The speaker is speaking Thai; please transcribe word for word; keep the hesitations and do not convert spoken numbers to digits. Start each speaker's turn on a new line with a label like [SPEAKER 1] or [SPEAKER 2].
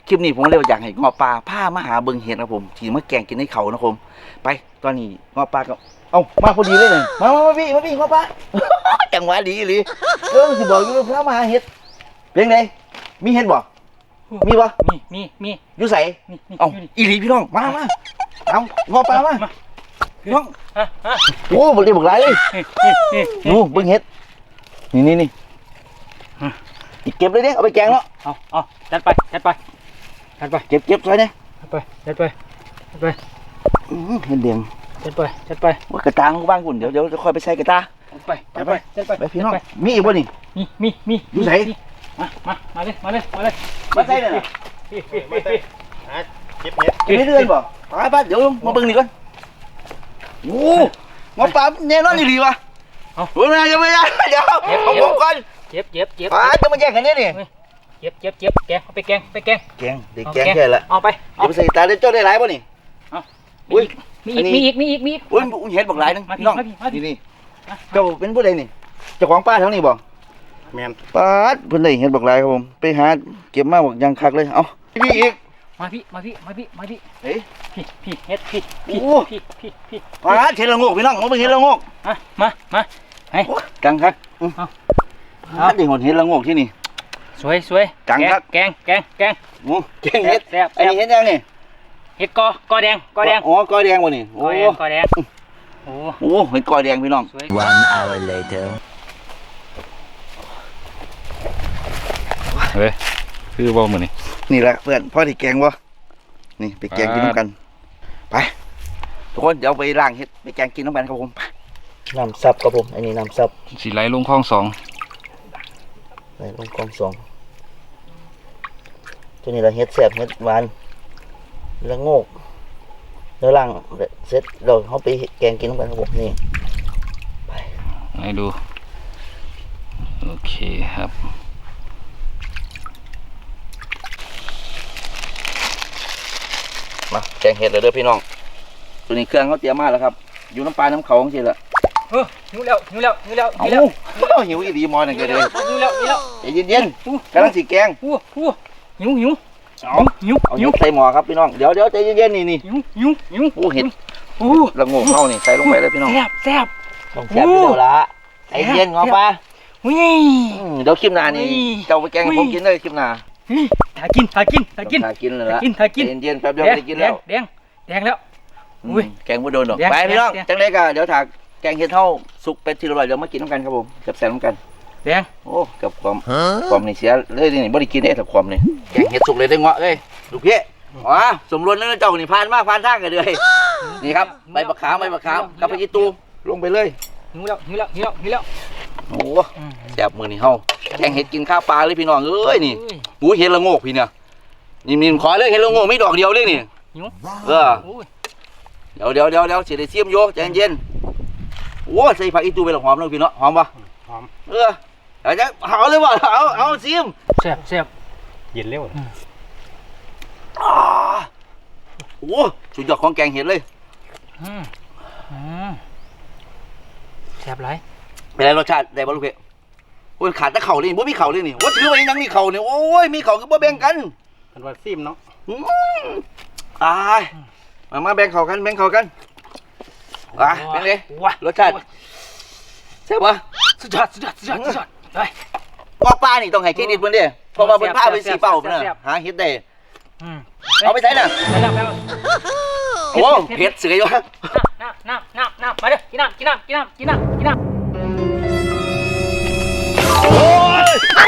[SPEAKER 1] คลิปนี้ผมเลยอยากให้งอปลาผ้ามาหาเบิ่งเห็ดครับผมที่มาแกงกินในเขานะผมไปตอนนี้งอปลาก็เอ้ามาพอดีเลยเนี่ยมามาพี่มาพี่งอปลา จังหวะดีเลยเออสิบอกอยู่พระมาหาเห็ดเป็นไงมีเห็ดบ่มีบ่
[SPEAKER 2] มีมีมี
[SPEAKER 1] อยู่ใส่เอ้าอีหลีพี่น้องมามาเอางอปลามาพี่น้องโอ้บ่ได้บอกไรเลยนู่เบิ่งเห็ดนี่นี่นี่เก็บเลยเนี่ยเอาไปแกงเนาะ
[SPEAKER 2] เอาเอาจัดไปจัดไปจัดไป
[SPEAKER 1] เก็บเก็บใส่เนี่ย
[SPEAKER 2] จัดไปจัดไปจัดไป
[SPEAKER 1] เห็ดเดียง
[SPEAKER 2] จัดไปจัดไป
[SPEAKER 1] ว่ากระตางบ้างคุณเดี๋ยวเดี๋ยวจะค่อยไปใส่กระตา
[SPEAKER 2] ไปจัดไปจัดไป
[SPEAKER 1] ไปพี่น้องมีอีกบ่นี่
[SPEAKER 2] มีมีมี
[SPEAKER 1] อยู่ไหน
[SPEAKER 2] มามามาเลยมาเลยมาเลย
[SPEAKER 1] มาใส่เลย
[SPEAKER 3] มาใส่หาเก็บเห็ด
[SPEAKER 1] เก็บเรื่อยๆบ่ไปไปเดี๋ยวมาเบิ่งนี่ก่อนโอ้งอปลาแน่นอนดีวะเอาเบิ่งนะจะไม่ได้เดี๋ยวเอาผมก่อน
[SPEAKER 2] เจ็บเจ็บเจ็บ
[SPEAKER 1] ปลาจะมาแย่งกันเนี่ยนี่
[SPEAKER 2] เจ็บเจ็บเจ็บแกงเอาไปแกงไปแกง
[SPEAKER 1] แกงเด็กแกงแค่ละ
[SPEAKER 2] เอาไป
[SPEAKER 1] เอาไปใส่ตาเด็ดเจ้าได้หลายป่ะนี่
[SPEAKER 2] อุ้ยมีอีกมีอีกมีอีกมีอีก
[SPEAKER 1] อุ้ยเห็ดบอกหลายนึงพี่น้องนี่นี่เจ้าเป็นผู้ใดนี่เจ้าของป้าทั้งนี้บ่
[SPEAKER 3] แมน
[SPEAKER 1] ป้าเพิ่นได้เห็ดบอกหลายครับผมไปหาเก็บมาบอกยังคักเลยเอาพี่อีก
[SPEAKER 2] มาพี่มาพี่มาพี่มาพี่
[SPEAKER 1] เฮ้ย
[SPEAKER 2] พี่พี่เฮ็ดพี่พี่พี่พี่พี่
[SPEAKER 1] ป้าเห็ดละงกพี่น้องมาเป็นเห็ดละงก
[SPEAKER 2] มามามาให้
[SPEAKER 1] กังคักเอาได้หดเห็ดละงกที่นี่
[SPEAKER 2] สวยสวย
[SPEAKER 1] กังคัก
[SPEAKER 2] แกงแกงแกง
[SPEAKER 1] โอ้แกงเห็ดอันนี้เห็ดยังนี่
[SPEAKER 2] เห็ดกอกอแดงกอแดง
[SPEAKER 1] อ๋อกอแดงวะนี่
[SPEAKER 2] โอ้กอแดงโอ้
[SPEAKER 1] โหเห็ดกอแดงพี่น้อง
[SPEAKER 4] one hour later
[SPEAKER 3] เฮ้ยคือบ่เหมือนนี่
[SPEAKER 1] นี่แหละเพื่อนพ่อที่แกงวะนี่ไปแกงกินน้ำกันไปทุกคนเดี๋ยวไปล้างเห็ดไปแกงกินน้ำกันครับผมน้ำซับครับผมอันนี้น้ำซับ
[SPEAKER 3] สีไหลลงคลองสอง
[SPEAKER 1] ไหลลงคลองสองตัวนี้เราเห็ดแสบเห็ดหวานแล้วโงกแล้วล้างเสร็จเราเขาไปแกงกินน้ำกันครับผมนี่ไป
[SPEAKER 3] ให้ดูโอเคครับ
[SPEAKER 1] มาแกงเห็ดเลยเด้อพี่น้องตัวนี้เครื่องเขาเตรียมมาแล้วครับอยู่น้ำปลาน้ำเขาของเชียร์ละ
[SPEAKER 2] เออหิวแล้วหิวแล้วหิวแล้ว
[SPEAKER 1] หิวแล้วหิวอีดีมอนั่นก็เลย
[SPEAKER 2] หิวแล้วหิวแล้ว
[SPEAKER 1] ใจเย็นๆกำลังสีแกง
[SPEAKER 2] หิวหิวหิวหิว
[SPEAKER 1] เอาหิวเอาหิวใส่หม้อครับพี่น้องเดี๋ยวเดี๋ยวใจเย็นๆนี่นี่
[SPEAKER 2] หิวหิวหิว
[SPEAKER 1] โอ้เห็ดโอ้ละโง่เข้านี่ใส่ลงไปเลยพี่น้อง
[SPEAKER 2] แซ่บแซ่บ
[SPEAKER 1] ต้องแซ่บเดี๋ยวละใจเย็นงอปลาเดี๋ยวคลิปหน้านี่เจ้าไปแกงผมกินเลยคลิปหน้า
[SPEAKER 2] หากินหากินหากิน
[SPEAKER 1] หากินเลยละ
[SPEAKER 2] กินหากิน
[SPEAKER 1] เย็นๆแป๊บเดียวได้กินแล้ว
[SPEAKER 2] แดงแดงแล้ว
[SPEAKER 1] อุ้ยแกงไม่โดนหรอกไปพี่น้องจังเลยกันเดี๋ยวถากแกงเห็ดเท่าสุกเป็ดทีละใบเดี๋ยวมากินน้ำกันครับผมจับแซ่บน้ำกัน
[SPEAKER 2] แดง
[SPEAKER 1] โอ้กับความความนี่เสียเลยนี่บ่ได้กินได้แต่ความนี่แกงเห็ดสุกเลยได้เงาะเอ้ยลูกพี่อ๋อสมรสแล้วเจ้านี่ผ่านมากผ่านทางกันเลยนี่ครับใบมะขามใบมะขามกับพริกตูลงไปเลย
[SPEAKER 2] หิวแล้วหิวแล้วหิวแล้วหิวแล้ว
[SPEAKER 1] โอ้แซ่บมือนี่เฮาแกงเห็ดกินข้าวปลาเลยพี่น้องเอ้ยนี่หูเห็ดละโงกพี่เนี่ยนี่มีขอเลยเห็ดละโงกไม่ดอกเดียวเลยนี่เออเดี๋ยวเดี๋ยวเดี๋ยวเดี๋ยวเสียได้เสียมโยใจเย็นโอ้ใส่ผักอีตูไปหรอหอมเลยพี่เนาะหอมปะ
[SPEAKER 3] หอม
[SPEAKER 1] เออเดี๋ยวจะเอาเลยบ่เอาเอาเสียม
[SPEAKER 2] แซ่บแซ่บ
[SPEAKER 3] เย็นเร็ว
[SPEAKER 1] โอ้สุดยอดของแกงเห็ดเลย
[SPEAKER 2] แซ่บไร
[SPEAKER 1] เป็นไรรสชาติได้บ่ลูกเอ๋โอ้ยขาดแต่เข่าเลยบ่มีเข่าเลยนี่ว่าถือว่ายังมีเข่าเนี่ยโอ้ยมีเข่าก็บ่แบ่งกัน
[SPEAKER 3] กันว่าซิมเนาะ
[SPEAKER 1] ตายมามาแบ่งเข่ากันแบ่งเข่ากันอ่ะเป็นไงรสชาติใช่ปะ
[SPEAKER 2] สุดยอดสุดยอดสุดยอดสุดยอดไป
[SPEAKER 1] ว่าป้านี่ต้องให้เครดิตเพิ่นเด้เพราะว่าเพิ่นพาไปสีเป่าเพิ่นน่ะหาเฮ็ดได้เอาไปใส่น่ะโอ้เผ็ดเสืออยู่
[SPEAKER 2] น้ำน้ำน้ำน้ำมาเด้อกินน้ำกินน้ำกินน้ำกินน้ำกินน้ำโอ้ย